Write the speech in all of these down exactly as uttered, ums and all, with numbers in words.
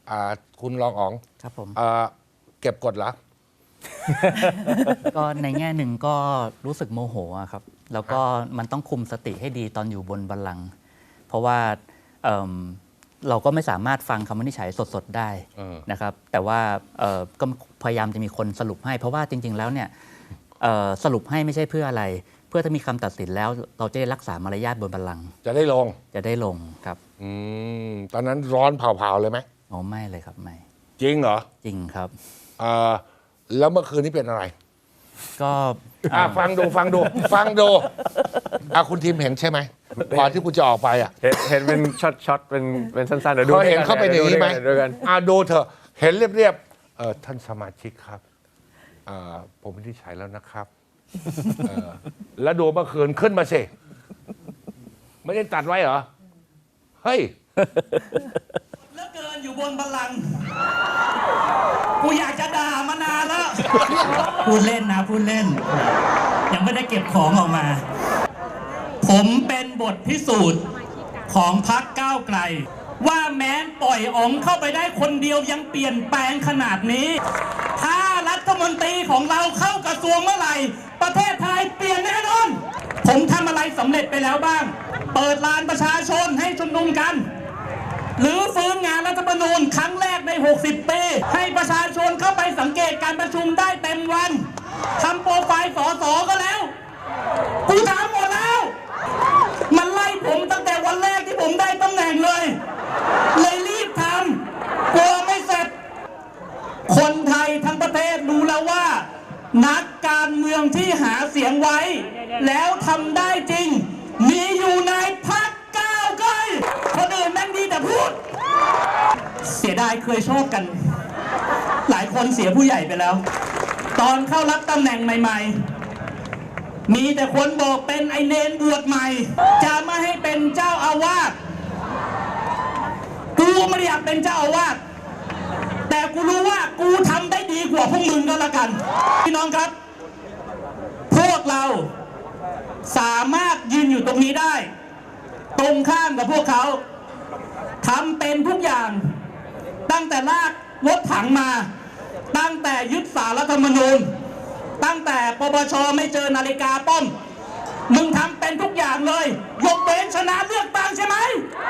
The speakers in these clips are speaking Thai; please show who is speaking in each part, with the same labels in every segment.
Speaker 1: อ่าคุณรองอ๋อง
Speaker 2: ครับผม
Speaker 1: อ่าเก็บกดเหรอ
Speaker 2: ก็ในแง่หนึ่งก็รู้สึกโมโหอะครับแล้วก็มันต้องคุมสติให้ดีตอนอยู่บนบัลลังก์เพราะว่าเอิ่มเราก็ไม่สามารถฟังคำวินิจฉัยสดๆได้
Speaker 1: เออ
Speaker 2: นะครับแต่ว่าเอ่อก็พยายามจะมีคนสรุปให้ เพราะว่าจริง ๆ แล้วเนี่ยเอ่อสรุปให้ไม่ใช่เพื่ออะไร เพื่อถ้ามีคำตัดสินแล้วเราจะได้รักษามารยาทบนบัลลังก์
Speaker 1: จะได้ลง
Speaker 2: จะได้ลงครับ
Speaker 1: อืมตอนนั้นร้อนเผาๆเลยไหม
Speaker 2: อ๋อไม่เลยครับไม่
Speaker 1: จริงเหรอ
Speaker 2: จริงครับ
Speaker 1: เอ่อแล้วเมื่อคืนนี้เป็นอะไร
Speaker 2: ก็
Speaker 1: อ่ะฟังดูฟังดู ฟังดูอ่ะคุณทีมเห็นใช่ไหมก่อนที่คุณจะออกไปอ่ะ
Speaker 3: เห็นเห็นเป็นช็อตช็อตเป็นเป็นสั้นๆเดี๋ยวดู
Speaker 1: เขาเห็น
Speaker 3: ด้วยกั
Speaker 1: เขาเป็นอย่างนี้ไหม
Speaker 3: ด้วยกัน
Speaker 1: อ่ะดูเถอะเห็นเรียบๆเออท่านสมาชิกครับเอ่อผมไม่ได้ใช้แล้วนะครับเออแล้วดูเมื่อคืนขึ้นมาสิไม่ได้ตัดไว้เหรอเฮ้ย
Speaker 4: เหลือเกินอยู่บนบัลลังก์กูอยากจะด่ามานานแล้ว พูดเล่นนะพูดเล่น ยังไม่ได้เก็บของออกมา ผมเป็นบทพิสูจน์ของพรรคก้าวไกล ว่าแม้นปล่อยอ๋องเข้าไปได้คนเดียวยังเปลี่ยนแปลงขนาดนี้ ถ้ารัฐมนตรีของเราเข้ากระทรวงเมื่อไหร่ ประเทศไทยเปลี่ยนแน่นอน ผมทำอะไรสำเร็จไปแล้วบ้าง เปิดลานประชาชนให้ชุมนุมกัน หรือฟื้นงานรัฐธรรมนูญครั้งแรกใน หกสิบ ปี ให้ประชาชนเข้าไปสังเกตการประชุมได้เต็มวันทำโปรไฟล์สสก็แล้วกูทำหมดแล้ว มันไล่ผมตั้งแต่วันแรกที่ผมได้ตำแหน่งเลย เลยรีบทำกลัวไม่เสร็จ คนไทยทั้งประเทศรู้แล้วว่า นักการเมืองที่หาเสียงไว้ แล้วทำได้จริง มีอยู่ในพรรคก้าวไกลคนอื่นแม่งดีแต่พูด เสียดายเคยโชคกัน หลายคนเสียผู้ใหญ่ไปแล้ว ตอนเข้ารับตำแหน่งใหม่ๆ มีแต่คนบอกเป็นไอเนนบวชใหม่ จะไม่ให้เป็นเจ้าอาวาสกูไม่ได้อยากเป็นเจ้าอาวาสแต่กูรู้ว่ากูทำได้ดีกว่าพวกมึงก็แล้วกันพี่น้องครับ พวกเราสามารถยืนอยู่ตรงนี้ได้ ตรงข้ามกับพวกเขาทำเป็นทุกอย่าง ตั้งแต่ลากรถถังมา ตั้งแต่ยึดสารรัฐธรรมนูญ ตั้งแต่ปปชไม่เจอนาฬิกาป้อม มึงทำเป็นทุกอย่างเลย ยกเว้นชนะเลือกตั้งใช่ไหม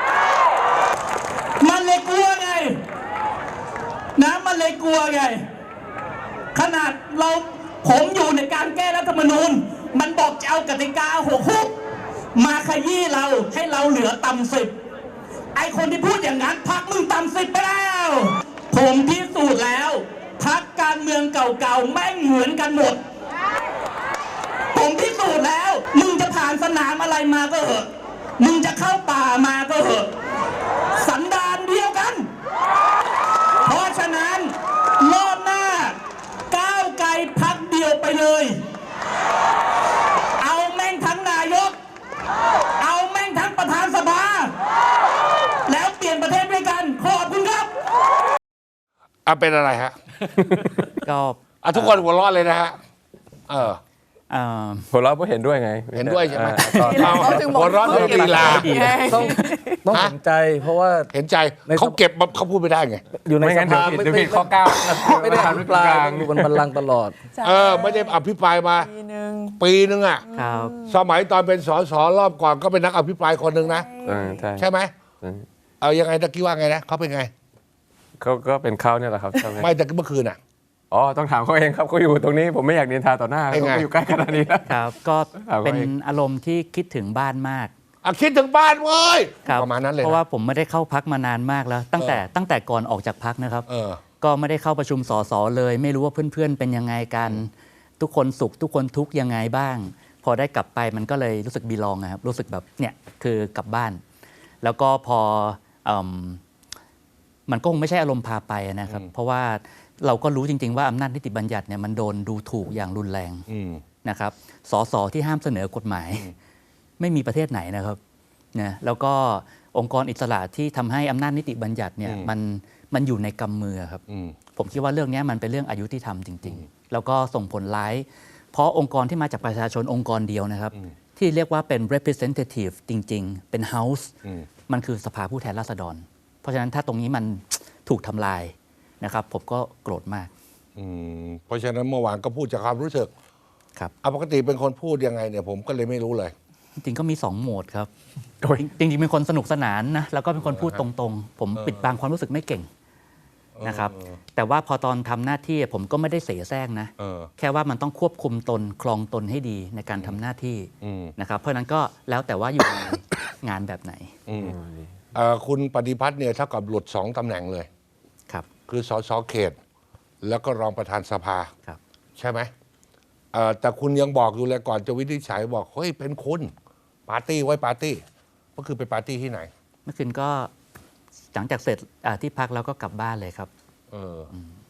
Speaker 4: มันเลยกลัวไงนะมันเลยกลัวไง ขนาดเราผมอยู่ในการแก้รัฐธรรมนูญ มันบอกจะเอากติกาหกฮุกมาขยี้เราให้เราเหลือต่ำสิบไอคนที่พูดอย่างนั้นพักมึงต่ำสิบไปแล้ว ผมพิสูจน์แล้วพักการเมืองเก่าๆแม่งเหมือนกันหมด ผมพิสูจน์แล้ว มึงจะผ่านสนามอะไรมาก็เหอะ มึงจะเข้าป่ามาก็เหอะ สันดานเดียวกัน เพราะฉะนั้นรอบหน้าก้าวไกลพักเดียวไปเลย เอาแม่งทั้งนายก เอาแม่งทั้งประธานสภา แล้วเปลี่ยนประเทศด้วยกัน ขอบคุณครับ
Speaker 1: อ่ะเป็นอะไรฮะ
Speaker 2: ก็
Speaker 1: อ่ะทุกคนหัวเร้อนเลยนะฮะเออ
Speaker 2: เอ่อ
Speaker 3: ผมเราก็เห็นด้วยไง
Speaker 1: เห็นด้วยใช่ไหม
Speaker 3: อ่าตอน
Speaker 1: เอาหัวเร้อนเป็นกีฬา
Speaker 5: ต้องต้อง
Speaker 1: ฮะ
Speaker 5: เห็นใจเพราะว่า
Speaker 1: เห็นใจ
Speaker 5: ใน
Speaker 1: เขาเก็บมาเขาพูดไม่ได้ไง
Speaker 5: อยู่ใน
Speaker 3: ไม่
Speaker 5: ส
Speaker 3: งั้นเดี๋ย
Speaker 5: ภาว
Speaker 3: ผิด
Speaker 5: ไม่
Speaker 3: เดี๋ยว
Speaker 5: ไม่
Speaker 3: ผิดข้อเก้า
Speaker 5: ไม่ได้อภิปรายอยู่บนบัลลังก์ตลอด
Speaker 1: เออไม่ได้อภิปรายมา
Speaker 6: ปีหนึ่ง
Speaker 1: ปีนึงอ่ะ
Speaker 2: ครับ
Speaker 1: สมัยตอนเป็นสสรอบก่อนก็เป็นนักอภิปรายคนหนึ่งนะ
Speaker 3: เออใช่
Speaker 1: ใช่ไหม
Speaker 3: ใช่
Speaker 1: เอายังไงตะกี้ว่าไงนะเขาเป็นไง
Speaker 3: เขาก็เป็นเขาเนี่ยแหละครับใช่ไหม
Speaker 1: ไม่ตะกี้เมื่อคืนอ่ะ
Speaker 3: อ๋อต้องถามเขาเองครับเขาอยู่ตรงนี้ผมไม่อยากนินทาต่อหน้า
Speaker 1: เป็นไง
Speaker 3: เขาอยู่ใกล้ขนาดนี้แล้ว
Speaker 2: ครับก็
Speaker 3: ถามว่า
Speaker 2: เป็นอารมณ์ที่คิดถึงบ้านมาก
Speaker 1: อ่ะคิดถึงบ้านเว้ย
Speaker 2: ครับ
Speaker 1: ประมาณนั้นเลย
Speaker 2: เพ
Speaker 1: นะ
Speaker 2: ราะว่าผมไม่ได้เข้าพักมานานมากแล้ว ตั้งแต่
Speaker 1: เออ
Speaker 2: ตั้งแต่ก่อนออกจากพักนะครับ
Speaker 1: เออ
Speaker 2: ก็ไม่ได้เข้าประชุมสสเลย ไม่รู้ว่าเพื่อนๆเป็นยังไงกัน ทุกคนสุขทุกคนทุกข์ยังไงบ้าง พอได้กลับไปมันก็เลยรู้สึกบีลองนะครับรู้สึกแบบเนี่ยคือกลับบ้าน แล้วก็พอเอมมันก็คงไม่ใช่อารมณ์พาไปนะครับ เพราะว่าเราก็รู้จริง ๆ ว่าอำนาจนิติบัญญัติเนี่ยมันโดนดูถูกอย่างรุนแรง
Speaker 1: อืม
Speaker 2: นะครับสสที่ห้ามเสนอกฎหมาย ไม่มีประเทศไหนนะครับนะแล้วก็องค์กรอิสระที่ทำให้อำนาจนิติบัญญัติเนี่ย
Speaker 1: อืม
Speaker 2: มันมันอยู่ในกำมือครับ
Speaker 1: อืม
Speaker 2: ผมคิดว่าเรื่องนี้มันเป็นเรื่องอายุที่ทำจริง ๆ แล้วก็ส่งผลร้าย เพราะองค์กรที่มาจากประชาชนองค์กรเดียวนะครับ ที่เรียกว่าเป็น representative จริง ๆ เป็น house
Speaker 1: อืม
Speaker 2: มันคือสภาผู้แทนราษฎร เพราะฉะนั้นถ้าตรงนี้มันถูกทำลายนะครับ ผมก็โกรธมาก
Speaker 1: อืมเพราะฉะนั้นเมื่อวานก็พูดจากความรู้สึก
Speaker 2: ครับ
Speaker 1: เอาปกติเป็นคนพูดยังไงเนี่ยผมก็เลยไม่รู้เลย
Speaker 2: จริงๆก็มีสองโหมดครับ
Speaker 3: โอ้ย
Speaker 2: จริงๆเป็นคนสนุกสนานนะแล้วก็เป็นคนพูดตรงๆ ผมปิดบังความรู้สึกไม่เก่งนะครับ
Speaker 1: เออ
Speaker 2: แต่ว่าพอตอนทำหน้าที่ผมก็ไม่ได้เสแสร้งนะ
Speaker 1: เออ
Speaker 2: แค่ว่ามันต้องควบคุมตนคลองตนให้ดีในการทำหน้าที่
Speaker 1: อืม
Speaker 2: นะครับ เพราะฉะนั้นก็แล้วแต่ว่าอยู่ใน งานแบบไหน
Speaker 1: อืมเอ่อคุณปฏิพัฒน์เนี่ยเท่ากับหลุดสองตำแหน่งเลย
Speaker 2: ครับ
Speaker 1: คือสสเขต แล้วก็รองประธานสภา
Speaker 2: ครับ
Speaker 1: ใช่ไหมเอ่อแต่คุณยังบอกอยู่เลยก่อนจะวินิจฉัยบอกเฮ้ยเป็นคุณปาร์ตี้ไว้ปาร์ตี้ก็คือไปปาร์ตี้ที่ไหน
Speaker 2: เมื่อคืนก็หลังจากเสร็จอ่าที่พักแล้วก็กลับบ้านเลยครับ
Speaker 1: เอออ